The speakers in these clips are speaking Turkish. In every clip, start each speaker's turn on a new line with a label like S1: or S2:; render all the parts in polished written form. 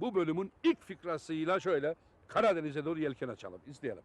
S1: bu bölümün ilk fikrasıyla şöyle Karadeniz'e doğru yelken açalım. İzleyelim.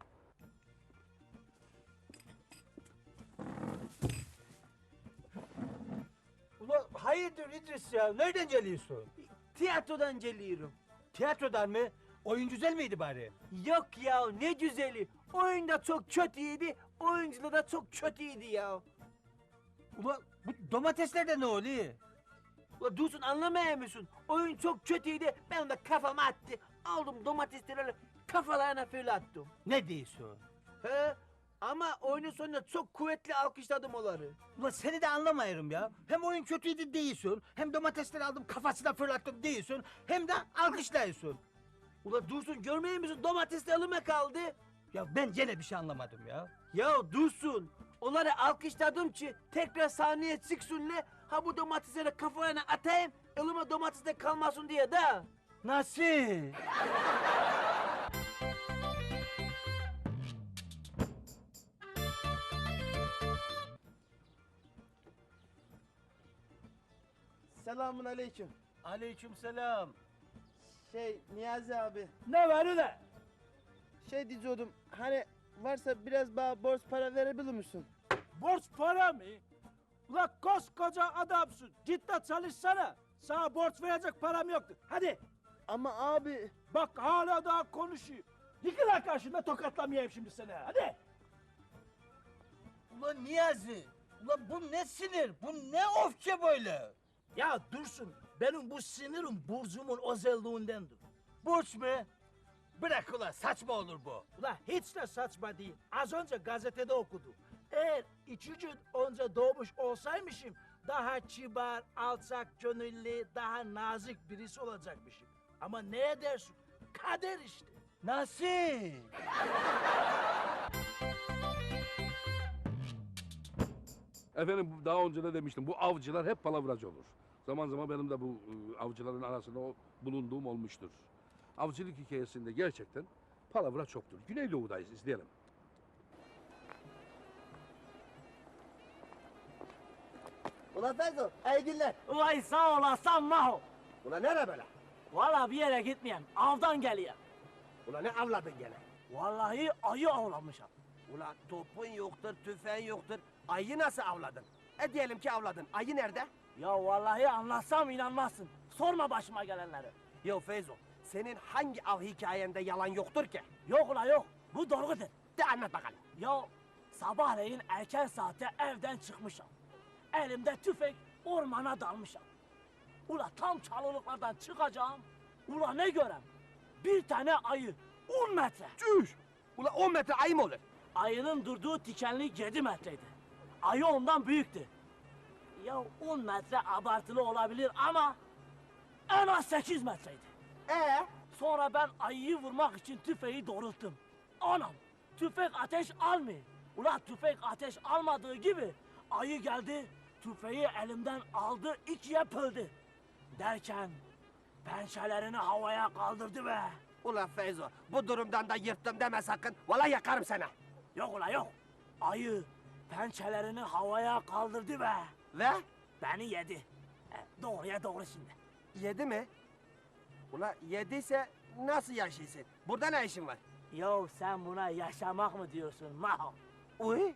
S2: Ulan hayırdır İdris ya? Nereden geliyorsun?
S3: Tiyatrodan geliyorum.
S2: Tiyatrodan mı? Oyun güzel miydi bari?
S3: Yok ya ne güzeli. Oyun da çok kötüydü. Oyuncular da çok kötüydü ya.
S2: Ulan bu domateslerde ne oluyor?
S3: Ulan Dursun anlamıyor musun? Oyun çok kötüydü. Ben de kafama attı. Aldım domatesleri kafalarına fırlattım.
S2: Ne diyorsun?
S3: He? Ama oyunun sonunda çok kuvvetli alkışladım onları.
S2: Ulan seni de anlamıyorum ya. Hem oyun kötüydü değilsin, hem domatesleri aldım kafasına fırlattım değilsin, hem de alkışlıyorsun.
S3: Ulan Dursun görmüyor musun? Domatesler elime kaldı.
S2: Ya ben gene bir şey anlamadım ya.
S3: Ya Dursun. Onları alkışladım ki tekrar sahneye çıksınlar. Ha bu domatesleri kafalarına atayım. Elime domates de kalmasın diye de.
S2: Nasıl?
S4: Selamun aleyküm.
S2: Aleykümselam.
S4: Niyazi abi.
S2: Ne var ulan?
S4: Diyordum hani varsa biraz bana borç para verebilir misin?
S5: Borç para mı? Ulan koskoca adamsın. Git de çalışsana. Sana borç verecek param yoktu. Hadi.
S4: Ama abi
S5: Bak hala daha konuşuyor. Yıkıl lan karşında tokatlamayayım şimdi seni. Hadi.
S2: Ulan Niyazi, ulan bu ne sinir, bu ne öfke böyle?
S5: Ya Dursun, benim bu sinirim burcumun özelliğindendir.
S2: Borç mu? Bırak ulan, saçma olur bu.
S5: Ulan hiç de saçma değil. Az önce gazetede okudum. Eğer 2 gün önce doğmuş olsaymışım daha kibar, alçak gönüllü, daha nazik birisi olacakmışım. Ama ne edersin? Kader işte.
S2: Nasıl?
S1: Efendim daha önce de demiştim bu avcılar hep palavracı olur. Zaman zaman benim de bu avcıların arasında bulunduğum olmuştur. Avcılık hikayesinde gerçekten palavra çoktur. Güneydoğu'dayız, izleyelim.
S4: Ulan Feyzo, iyi günler.
S3: Vay sağ olasın Maho.
S4: Ulan nere böyle?
S3: Valla bir yere gitmeyeyim. Avdan geliyor.
S4: Ulan ne avladın gene?
S3: Vallahi ayı avlamışım.
S4: Ulan topun yoktur, tüfeğin yoktur. Ayı nasıl avladın? Diyelim ki avladın. Ayı nerede?
S3: Ya vallahi anlatsam inanmazsın. Sorma başıma gelenleri.
S4: Ya Feyzo, senin hangi av hikayende yalan yoktur ki?
S3: Yok ula yok. Bu doğrudur.
S4: De anlat bakalım.
S3: Ya sabahleyin erken saatte evden çıkmışım. Elimde tüfek ormana dalmışım. Ula tam çalılıklardan çıkacağım. Ula ne görem? Bir tane ayı 10 metre.
S4: Çüş! Ulan 10 metre ayı mı olur?
S3: Ayının durduğu dikenlik 7 metreydi. Ayı ondan büyüktü. Ya 10 metre abartılı olabilir ama en az 8 metreydi. Sonra ben ayıyı vurmak için tüfeği doğrulttum. Anam tüfek ateş almıyor. Ula tüfek ateş almadığı gibi ayı geldi tüfeği elimden aldı ikiye böldü. Derken pençelerini havaya kaldırdı be.
S4: Ulan Feyzo, bu durumdan da yırttım deme sakın. Vallahi yakarım seni.
S3: Yok ula yok. Ayı pençelerini havaya kaldırdı be.
S4: Ve?
S3: Beni yedi. Doğruya doğru şimdi.
S4: Yedi mi? Ulan yediyse nasıl yaşaysın? Burada ne işin var?
S3: Yo sen buna yaşamak mı diyorsun Maho?
S4: Uy!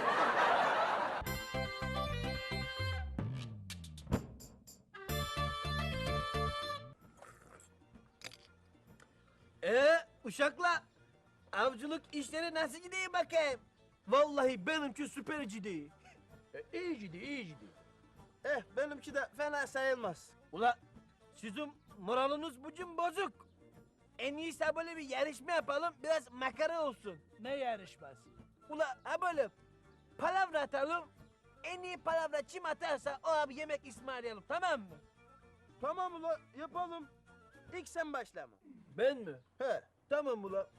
S2: Uşakla, avcılık işleri nasıl gidiyor bakayım? Vallahi benimki süper gidiyor.
S5: İyi gidiyor, iyi gidiyor.
S2: Benimki de fena sayılmaz. Ula, sizin moraliniz bugün bozuk. En iyisi böyle bir yarışma yapalım, biraz makara olsun.
S5: Ne yarışması?
S2: Ula ha böyle palavra atalım. En iyi palavra kim atarsa o abi yemek ısmarlayalım, tamam mı? Tamam ula, yapalım. İlk sen başlama. Ben mi? He, tamam ula.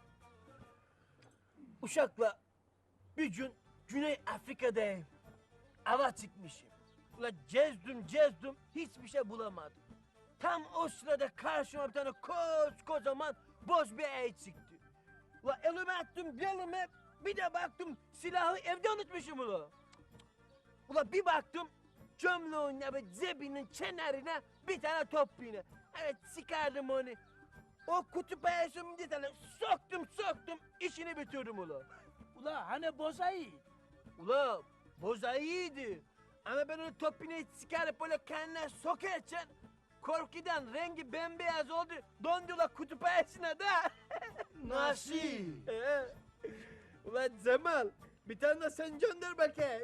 S2: Uşakla bir gün Güney Afrika'dayım. Ava çıkmışım. Ula gezdim hiçbir şey bulamadım. Tam o sırada karşıma bir tane kocaman boz bir ayı çıktı. Ula elime attım belime, bir de baktım silahı evde unutmuşum ula. Ula bir baktım gömleğin ve cebinin kenarına bir tane top iğne. Evet çıkardım onu. O kutup ayısının bir tane soktum işini bitirdim ula.
S5: Ula hani bozayı?
S2: Ula boza iyiydi. Ama ben onu topunu çıkarıp böyle kendine sokarken korkudan rengi bembeyaz oldu. Dondu ula kutup ayısına da.
S5: Nasıl?
S2: Ulan Cemal bir tane de sen gönder bakayım.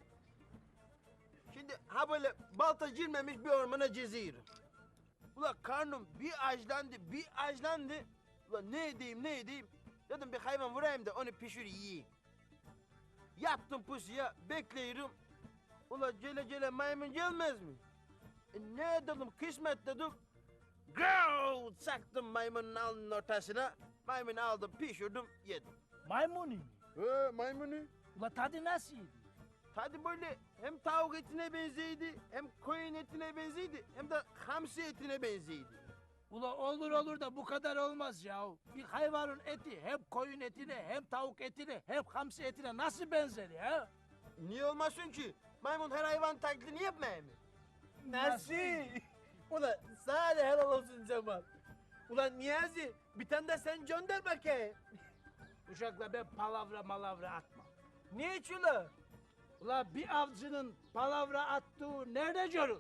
S2: Şimdi ha böyle balta girmemiş bir ormana geziyorum. Ulan karnım bir açlandı. Ulan ne edeyim? Dedim bir hayvan vurayım da onu pişir yiyeyim. Yaptım pusuya bekliyorum. Ulan gele maymun gelmez mi? Ne dedim kısmet dedim. Go! Çaktım maymunun alnının ortasına. Maymunu aldım pişirdim yedim.
S5: Maymunu mu?
S2: Maymunu.
S5: Ula tadı nasıldı?
S2: Tadı böyle hem tavuk etine benzeydi, hem koyun etine benzeydi, hem de hamsi etine benzeydi.
S5: Ula olur da bu kadar olmaz ya. Bir hayvanın eti hem koyun etine hem tavuk etine hem hamsi etine nasıl benzer ya?
S2: Niye olmasın ki? Maymun her hayvan taklidini yapmıyor mu?
S5: Nasıl?
S2: Ulan sana da helal olsun Cemal. Ulan Niyazi bir tane de sen gönder bakayım.
S5: Uşakla ben palavra atmam.
S2: Niye ki ula?
S5: Ula bir avcının palavra attığı nerede görülmüş?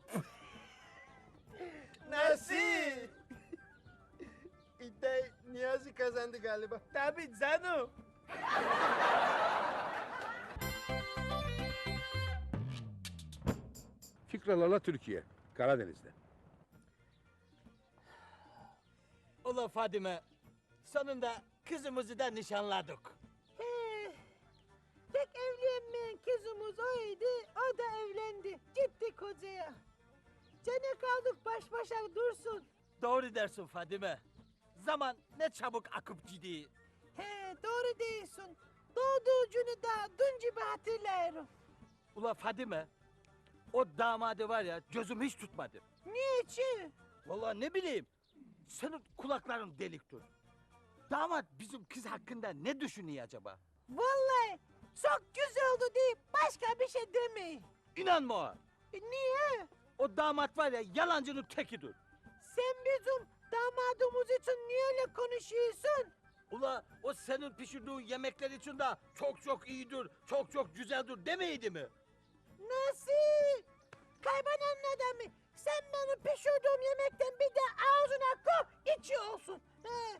S2: Nasıl? İddiayı Niyazi kazandı galiba. Tabii canım.
S1: Fikralarla Türkiye, Karadeniz'de.
S2: Ula Fadime, sonunda kızımızı da nişanladık.
S6: Tek evlenmeyen kızımız oydu, o da evlendi. Gitti kocaya. Gene kaldık baş başa dursun.
S2: Doğru dersin Fadime. Zaman ne çabuk akıp gidiyor.
S6: He doğru diyorsun. Doğduğu günü daha dün gibi hatırlıyorum.
S2: Ula Fadime, o damadı var ya gözüm hiç tutmadı.
S6: Niçin?
S2: Vallahi ne bileyim, senin kulakların deliktir. Damat bizim kız hakkında ne düşünüyor acaba?
S6: Vallahi çok güzel oldu deyip başka bir şey demeyin.
S2: İnanma o.
S6: Niye?
S2: O damat var ya yalancının tekidir.
S6: Sen bizim damadımız için niye öyle konuşuyorsun?
S2: Ula o senin pişirdiğin yemekler için de çok iyidir, çok güzeldir demeydi mi?
S6: Nasıl? Kaybolan adamı. Sen benim pişirdiğim yemekten bir de ağzına koy, içi olsun. He.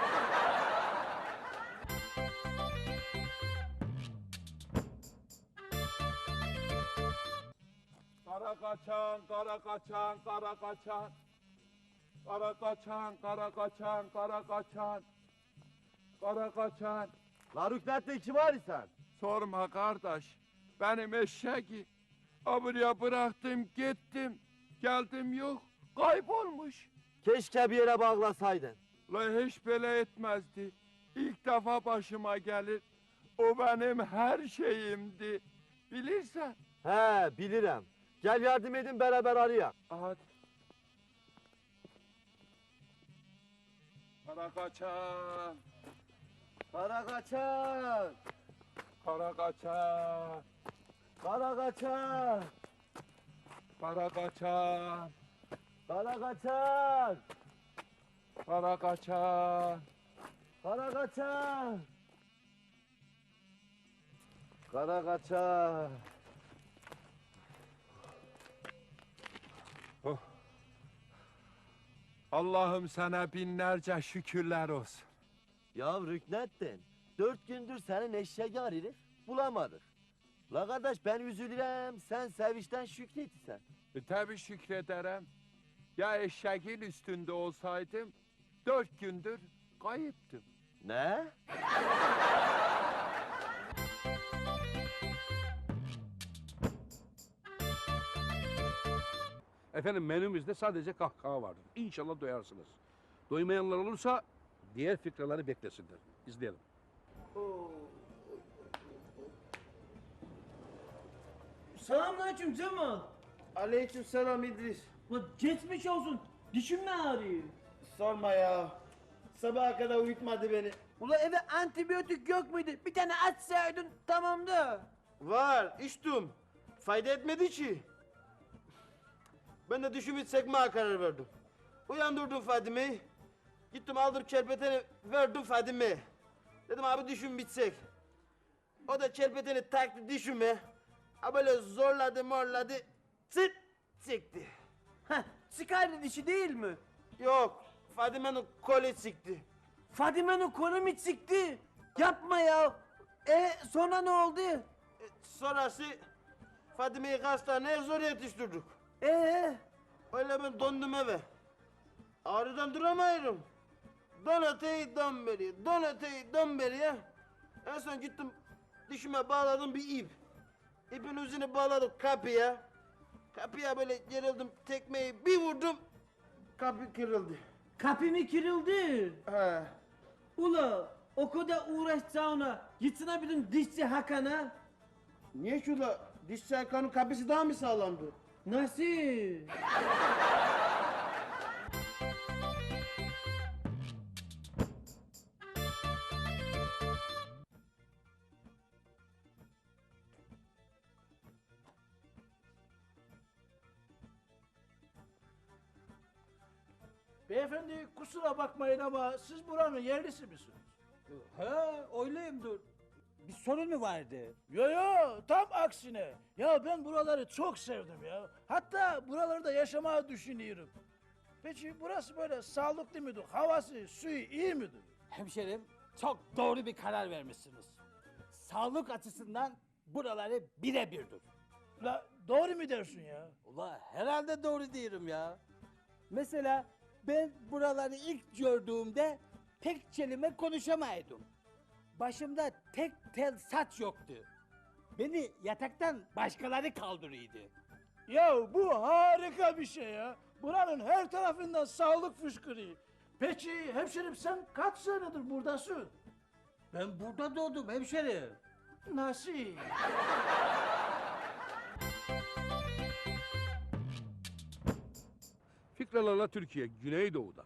S1: Kara kaçan, kara kaçan, kara kaçan. Kara kaçan, kara kaçan, kara kaçan. Kara kaçan.
S4: La rüknetle kim var sen?
S1: Sorma kardeş. Benim eşeği buraya bıraktım gittim. Geldim yok. Kaybolmuş.
S4: Keşke bir yere bağlasaydın.
S1: La hiç böyle etmezdi. İlk defa başıma gelir. O benim her şeyimdi. Bilirsen.
S4: He bilirim. Gel yardım edin beraber arayak.
S1: Hadi. Kara kaçan,
S4: Kara kaçan.
S1: kara kaçan,
S4: Kara kaçan.
S1: kara kaçan,
S4: Kara kaçan.
S1: kara kaçan.
S4: Kara kaçan. Kara kaçan.
S1: Allah'ım sana binlerce şükürler olsun.
S4: Ya Rüknettin, 4 gündür senin eşeği arıyoruz, bulamadık. La kardeş ben üzülürüm, sen sevinçten şükretsen.
S1: Tabii şükrederim. Ya eşeğin üstünde olsaydım 4 gündür kayıptım.
S4: Ne?
S1: Efendim menümüzde sadece kahkaha vardır. İnşallah doyarsınız. Doymayanlar olursa diğer fikraları beklesinler. İzleyelim.
S2: Selamünaleyküm Cemal.
S5: Aleykümselam İdris.
S2: Ulan geçmiş olsun. Dişim mi ağrıyor?
S5: Sorma ya. Sabaha kadar uyutmadı beni.
S2: Ulan eve antibiyotik yok muydu? Bir tane açsaydın tamamdı.
S5: Var, içtim. Fayda etmedi ki. Ben de düşümü çekmeye karar verdim.
S2: Uyandırdım Fadime'yi. Gittim aldım kerpeteni verdim Fadime'ye. Dedim abi düşün bitsek. O da kerpeteni taktı düşüme. Ha böyle zorladı morladı. Çıt çekti.
S7: Heh, çıkardı dişi değil mi?
S2: Yok Fadime'nin kolu çıktı.
S7: Fadime'nin kolu mu çıktı? Yapma ya. Sonra ne oldu?
S2: Sonrası Fadime'yi hastaneye zor yetiştirdik. Öyle ben döndüm eve. Ağrıdan duramıyorum. Don öteyi don beri, don öteyi don beri ya. En son gittim dişime bağladım bir ip. İpin ucunu bağladım kapıya. Kapıya böyle gerildim tekmeyi bir vurdum. Kapı kırıldı.
S7: Kapı mı kırıldı?
S2: He.
S7: Ula o kadar uğraşacağına gitsene bizim dişçi Hakan'a.
S2: Niye şurada diş çaykanın kapısı daha mı sağlamdı?
S7: Nasıl?
S5: Beyefendi kusura bakmayın ama siz buranın yerlisi misiniz?
S8: He, öyleyimdir. Bir sorun mu vardı?
S5: Yo yo tam aksine. Ya ben buraları çok sevdim ya. Hatta buralarda yaşamayı düşünüyorum. Peki burası böyle sağlıklı mıdır? Havası, suyu iyi midir?
S8: Hemşerim, çok doğru bir karar vermişsiniz. Sağlık açısından buraları birebirdir.
S5: La doğru mu dersin ya?
S8: Ula herhalde doğru diyorum ya. Mesela ben buraları ilk gördüğümde tek kelime konuşamaydım. Başımda tek tel saç yoktu. Beni yataktan başkaları kaldırıyordu.
S5: Ya bu harika bir şey ya. Buranın her tarafından sağlık fışkırıyor. Peki hemşerim sen kaç senedir buradasın?
S8: Ben burada doğdum hemşerim.
S5: Nasıl?
S1: Fikralarla Türkiye, Güneydoğu'da.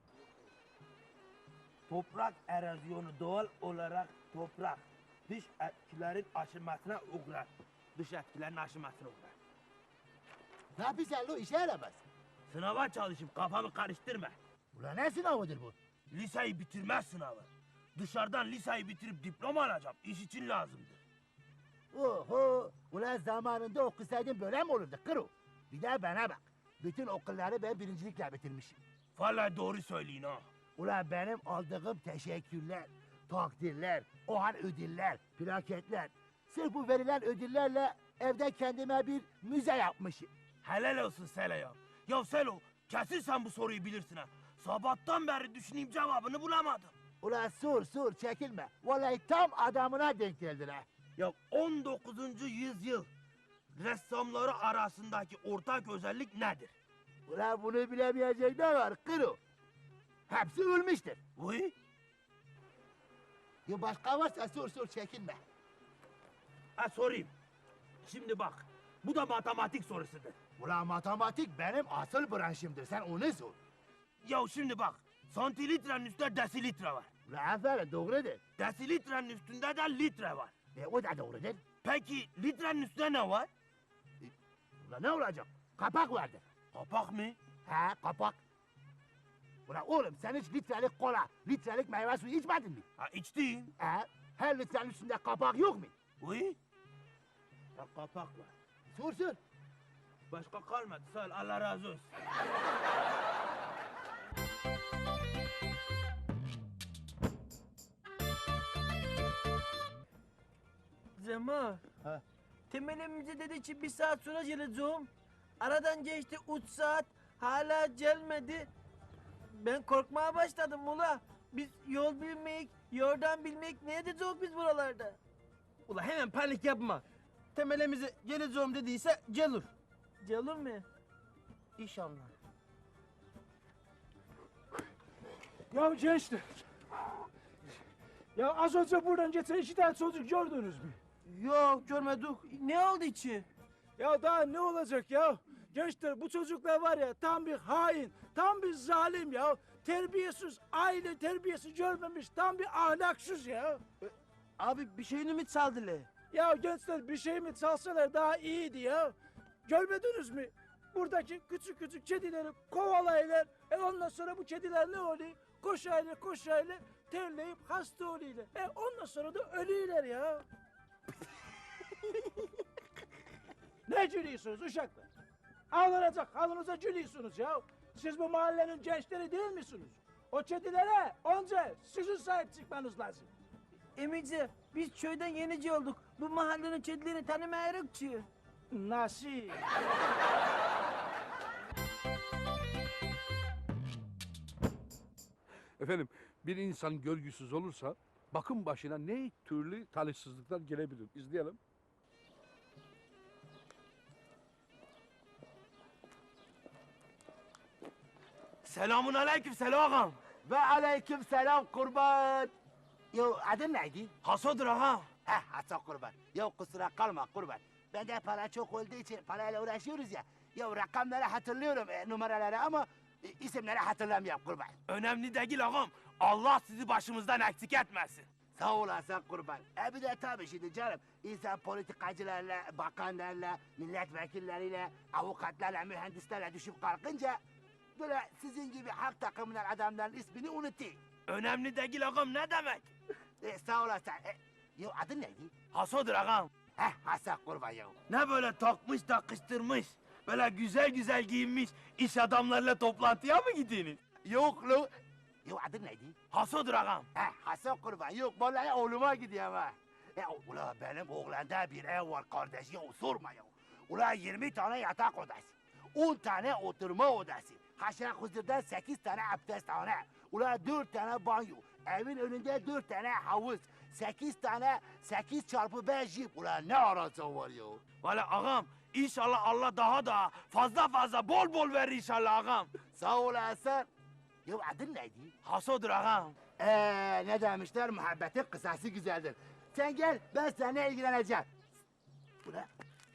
S2: Toprak erozyonu doğal olarak toprak dış etkilerin aşınmasına uğrar. Dış etkilerin aşınmasına uğrar.
S6: Ne yapıyorsun lo işe yaramaz.
S2: Sınava çalışıp kafamı karıştırma.
S6: Ulan ne sınavıdır bu?
S2: Liseyi bitirme sınavı. Dışarıdan liseyi bitirip diploma alacağım. İş için lazımdır.
S6: Oho! Ulan zamanında okusaydın böyle mi olurdu kırı? Bir de bana bak. Bütün okulları ben birincilikle bitirmişim.
S2: Vallahi doğru söyleyin ha.
S6: Ulan benim aldığım teşekkürler, takdirler, o an ödüller, plaketler. Sırf bu verilen ödüllerle evde kendime bir müze yapmışım.
S2: Helal olsun Selo ya. Ya Selo kesin sen bu soruyu bilirsin ha. Sabahtan beri düşüneyim cevabını bulamadım.
S6: Ulan sor çekinme. Vallahi tam adamına denk geldin ha.
S2: Ya 19. yüzyıl ressamları arasındaki ortak özellik nedir?
S6: Ulan bunu bilemeyecek ne var kırı? Hepsi ölmüştür.
S2: Uy,
S6: Ya başka varsa sor çekinme.
S2: ha sorayım. Şimdi bak, bu da matematik sorusudur.
S6: Ulan matematik benim asıl branşımdır. Sen onu sor.
S2: Ya şimdi bak, santilitrenin üstünde desilitre var.
S6: Ulan aferin doğrudur.
S2: Desilitrenin üstünde de litre var.
S6: O da doğrudur.
S2: Peki litrenin üstünde ne var?
S6: Ulan ne olacak? Kapak vardır.
S2: Kapak mı?
S6: He kapak. Ulan oğlum sen hiç litrelik kola, litrelik meyve suyu içmedin mi?
S2: Ha içtim.
S6: He? Her litrenin üstünde kapak yok mu?
S2: Uy. Ha kapak var.
S6: Sor.
S2: Başka kalmadı sağ ol, Allah razı olsun.
S7: Cemal.
S4: Ha.
S7: Temelimize dedi ki 1 saat sonra geleceğim. Aradan geçti 3 saat. Hala gelmedi. Ben korkmaya başladım ula. Biz yol bilmeyik, yordan bilmeyik. Ne edeceğiz biz buralarda?
S2: Ula hemen panik yapma. Temelimize geleceğim dediyse gelir.
S7: Gelir mi?
S2: İnşallah.
S5: Ya gençler. Ya az önce buradan geçen 2 tane çocuk gördünüz mü?
S2: Yok görmedik.
S7: Ne oldu içi?
S5: Ya daha ne olacak ya? Gençler bu çocuklar var ya tam bir hain, tam bir zalim ya. Terbiyesiz, aile terbiyesi görmemiş, tam bir ahlaksız ya.
S2: Abi bir şeyini mi çaldılar?
S5: Ya gençler bir şey mi çalsalar daha iyiydi ya. Görmediniz mi? buradaki küçük küçük kedileri kovalayırlar. Ondan sonra bu kediler ne oluyor? Koşayla terleyip hasta oluyorlar. Ondan sonra da ölüyorlar ya. Ne gülüyorsunuz uşaklar? Ağlanacak halınıza gülüyorsunuz ya. Siz bu mahallenin gençleri değil misiniz? O kedilere önce sizin sahip çıkmanız lazım.
S7: Emici biz köyden yenici olduk. Bu mahallenin kedilerini tanımıyoruz ki.
S5: Nasıl?
S1: Efendim bir insan görgüsüz olursa bakım başına ne türlü talihsizlikler gelebilir. İzleyelim.
S2: Selamun aleyküm Selo ağam.
S6: Ve aleyküm selam kurban. Yo adın neydi?
S2: Hasodur ağam.
S6: Hasan kurban. Yo kusura kalma kurban. Bende para çok olduğu için parayla uğraşıyoruz ya. Yo rakamları hatırlıyorum numaraları ama isimleri hatırlamıyorum kurban.
S2: Önemli değil ağam. Allah sizi başımızdan eksik etmesin.
S6: Sağ olasın kurban. Bir de tabii şimdi canım insan politikacılarla, bakanlarla, milletvekilleriyle, avukatlarla, mühendislerle düşüp kalkınca böyle sizin gibi halk takımından adamların ismini unutuyor.
S2: Önemli değil ağam ne demek?
S6: Sağ olasın. Yo adın neydi?
S2: Hasodur ağam.
S6: Hasan kurban yo.
S2: Ne böyle takmış takıştırmış. Böyle güzel güzel giyinmiş iş adamlarıyla toplantıya mı gidiyorsunuz?
S6: Yok lo. Yo adın neydi?
S2: Hasodur ağam.
S6: Hasan kurban yok vallahi oğluma gidiyorum ha. Ula benim oğlanda bir ev var kardeş ya sorma ya. Ula 20 tane yatak odası. 10 tane oturma odası. Haşa huzurda 8 tane abdesthane. Ula 4 tane banyo. Evin önünde 4 tane havuz. 8 tane 8 çarpı 5 jip. Ula ne arası var ya.
S2: Valla ağam inşallah Allah daha da fazla bol bol verir inşallah ağam.
S6: Sağ olasın. Ya adın neydi?
S2: Hasodur ağam.
S6: Ne demişler muhabbetin kısası güzeldir. Sen gel ben seninle ilgileneceğim. Ula,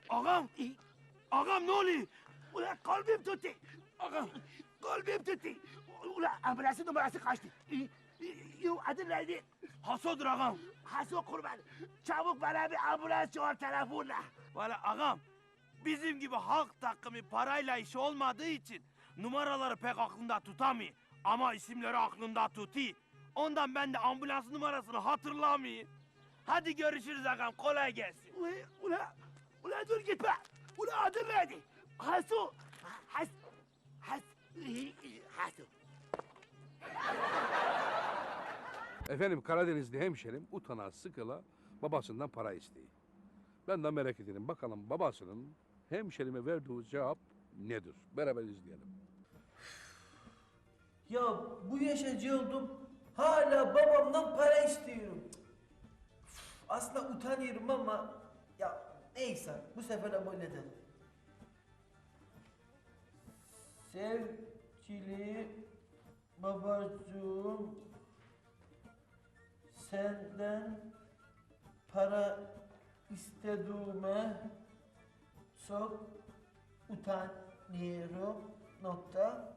S2: Ağam ne oluyor?
S6: ula kalbim tuttu. Kalbim tuttu. Ula ambulansın numarası kaçtı. Yo adın neydi?
S2: Hasodur ağam.
S6: Haso kurban. Çabuk bana bir ambulans çağır telefonla.
S2: Valla ağam bizim gibi halk takımı parayla işi olmadığı için numaraları pek aklında tutamıyor. Ama isimleri aklında tutuyor. Ondan ben de ambulans numarasını hatırlamayayım. Hadi görüşürüz ağam kolay gelsin.
S6: Ula dur gitme. Ula adın neydi? Haso. Haso.
S1: Efendim Karadenizli hemşerim utana sıkıla babasından para isteği. Ben de merak ederim bakalım babasının hemşerime verdiği cevap nedir? Beraber izleyelim.
S7: Ya bu yaşacı oldum. Hala babamdan para istiyorum. Aslında utanıyorum ama ya neyse bu sefer de böyle edelim. Sevgili babacığım, senden para istediğime çok utanıyorum. Nokta.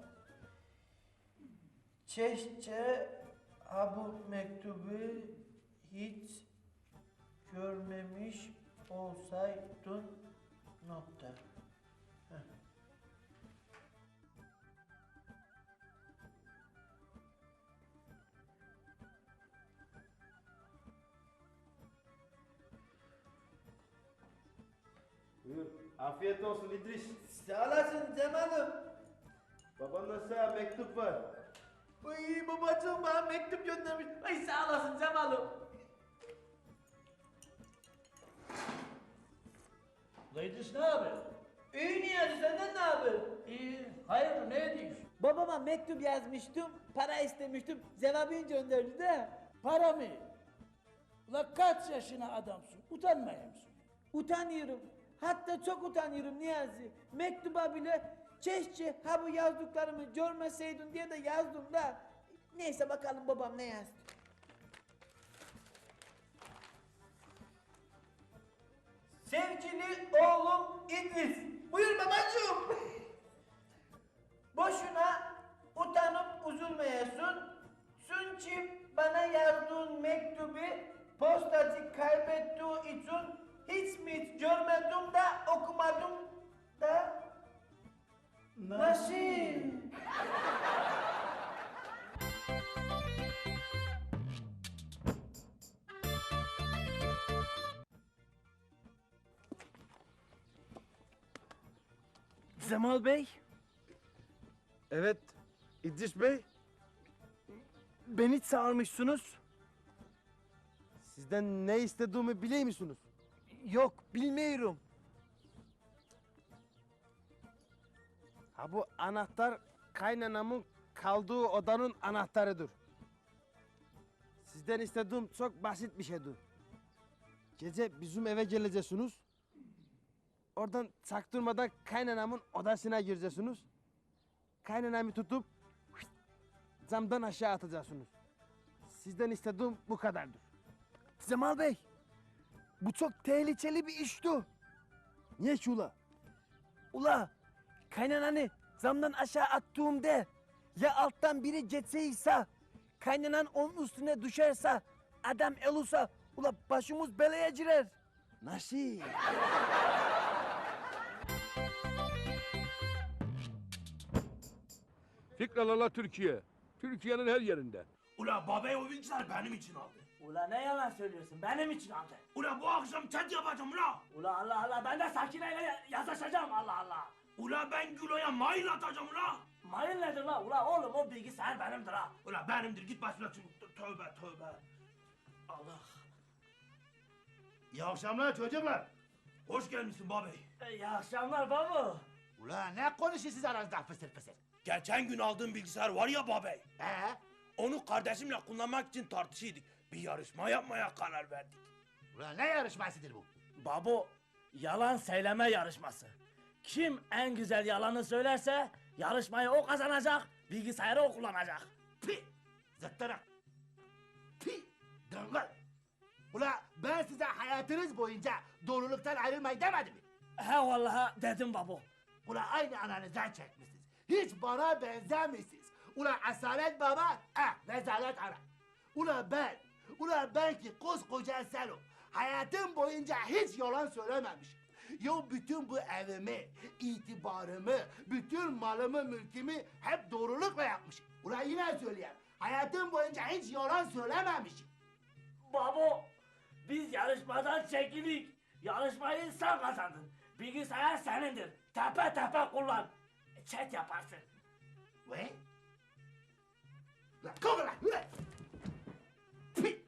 S7: Keşke bu mektubu hiç görmemiş olsaydın. Nokta. Heh.
S9: Buyur. Afiyet olsun İdris.
S7: Sağ olasın Cemal'im.
S9: Babandan sana mektup var.
S7: Ay babacığım bana mektup göndermiş. Ay sağ olasın Cemal'im.
S5: Ulan İdris ne haber?
S7: İyi Niyazi senden ne haber?
S5: İyi. Hayırdır ne ediyorsun?
S7: Babama mektup yazmıştım, para istemiştim, cevabını gönderdi de.
S5: Para mı? Ulan kaç yaşına adamsın? Utanmıyor musun?
S7: Utanıyorum. Hatta çok utanıyorum Niyazi. Mektuba bile keşke bu yazdıklarımı görmeseydin diye de yazdım da. Neyse bakalım babam ne yazdı. Sevgili oğlum İdris. Buyur babacığım. Boşuna utanıp üzülmeyesin. Çünkü bana yazdığın mektubu postacı kaybettiği için hiç mi görmedim de okumadım da
S5: Nasıl?
S2: Cemal Bey,
S9: Evet. İdris Bey.
S2: beni çağırmışsınız.
S9: Sizden ne istediğimi biliyor musunuz?
S2: Yok, bilmiyorum.
S9: Ha bu anahtar kaynanamın kaldığı odanın anahtarıdır. Sizden istediğim çok basit bir şeydir. Gece bizim eve geleceksiniz. Oradan çaktırmadan kaynanamın odasına gireceksiniz. Kaynanamı tutup camdan aşağı atacaksınız. Sizden istediğim bu kadardır.
S2: Cemal Bey, bu çok tehlikeli bir işti.
S9: Niye ki ula?
S2: Ula, kaynananı zamdan aşağı attığımda ya alttan biri geçseyse, kaynanan onun üstüne düşerse, adam elursa, ula başımız belaya girer.
S9: Nasıl?
S1: Fikralala Türkiye. Türkiye'nin her yerinde.
S10: Ula babay o bilgisayar benim için aldı.
S3: Ula ne yalan söylüyorsun, benim için aldı.
S10: Ula bu akşam chat yapacağım ula.
S3: Ula Allah Allah, ben de Sakine'yle yazışacağım Allah Allah.
S10: Ula ben Gülo'ya mail atacağım ula.
S3: Mayın nedir la? Ula oğlum o bilgisayar benimdir ha.
S10: Ula benimdir git başına tövbe tövbe. Allah. İyi akşamlar çocuklar. Hoş gelmişsin babay.
S3: İyi akşamlar baba.
S6: Ula ne konuşuyorsunuz aranızda fısır fısır?
S10: Geçen gün aldığım bilgisayar var ya babay. Onu kardeşimle kullanmak için tartışıyorduk. Bir yarışma yapmaya karar verdik.
S6: Ula ne yarışmasıdır bu?
S3: Babo, yalan söyleme yarışması. Kim en güzel yalanı söylerse yarışmayı o kazanacak, bilgisayarı o kullanacak.
S6: Pi! Zıttırık! Pi! Dırngıl! Ula ben size hayatınız boyunca doğruluktan ayrılmayın demedim mi?
S3: He vallahi dedim babo.
S6: Ula aynı ananızdan çekmişsiniz. Hiç bana benzemişsiniz. Ula asalet baba, rezalet ana. Ula ben ki koskoca Selo. Hayatım boyunca hiç yalan söylememişim. Ya bütün bu evimi, itibarımı, bütün malımı, mülkümü hep doğrulukla yapmışım. Ula yine söyleyeyim. Hayatım boyunca hiç yalan söylememişim.
S3: Babo, biz yarışmadan çekildik. Yarışmayı sen kazandın. Bilgisayar senindir. Tepe tepe kullan. Chat yaparsın.
S6: Ve? Ula kalk lan, ula! Pi!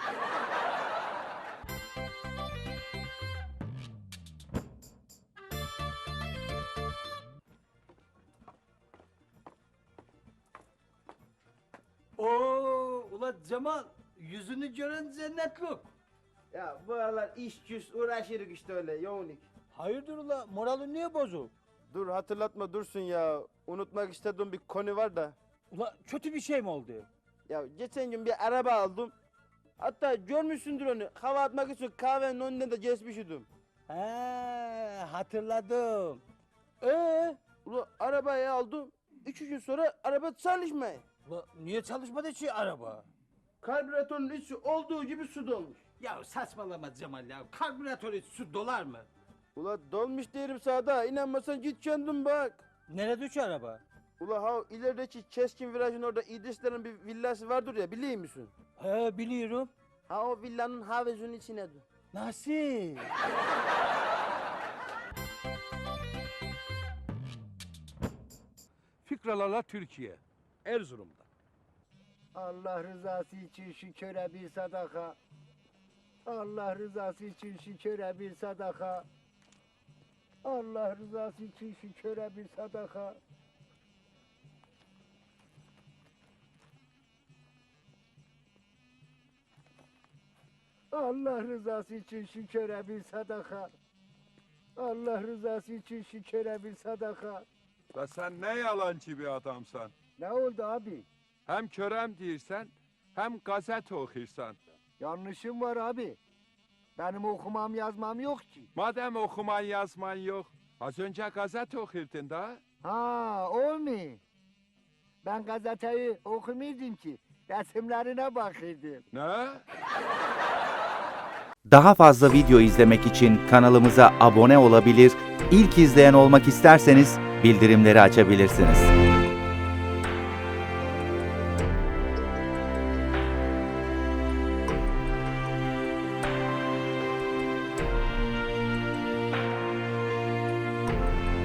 S8: Oo, ula Cemal, yüzünü gören cennetlik.
S9: Ya bu aralar iş güç uğraşırız işte öyle yoğunluk.
S8: Hayırdır ula, moralin niye bozuk?
S9: Dur hatırlatma dursun ya. Unutmak istediğim bir konu var da.
S8: Ula kötü bir şey mi oldu?
S9: Ya geçen gün bir araba aldım. Hatta görmüşsündür onu. Hava atmak için kahvenin önünden de geçmiştim.
S8: He, hatırladım.
S9: Ula arabayı aldım. 2 gün sonra araba çalışmıyor.
S8: Ula niye çalışmadı ki araba?
S9: Karbüratörün içi olduğu gibi su dolmuş.
S8: Ya saçmalama Cemal ya, karbüratörü su dolar mı?
S9: Ula dolmuş derim sana da inanmasan git kendin bak.
S8: Nerede ki araba?
S9: Ula ha ilerideki keskin virajın orada İdrislerin bir villası vardır ya biliyor musun?
S8: He biliyorum.
S9: Ha o villanın havuzunun içine dur.
S8: Nasıl?
S1: Fikralala Türkiye. Erzurum'da.
S2: Allah rızası için şu köre bir sadaka. Allah rızası için şu köre bir sadaka. Allah rızası için şu köre bir sadaka. Allah rızası için şu köre bir sadaka. Allah rızası için şu köre bir sadaka.
S11: La sen ne yalancı bir adamsan.
S2: Ne oldu abi?
S11: Hem körem değilsen hem gazete okursan.
S2: Yanlışım var abi. Benim okumam yazmam yok ki.
S11: Madem okuman yazman yok. Az önce gazete okurdun da.
S2: Ha, o mu? Ben gazeteyi okumuyordum ki. Resimlerine bakırdım.
S11: Ne?
S12: Daha fazla video izlemek için kanalımıza abone olabilir, ilk izleyen olmak isterseniz bildirimleri açabilirsiniz.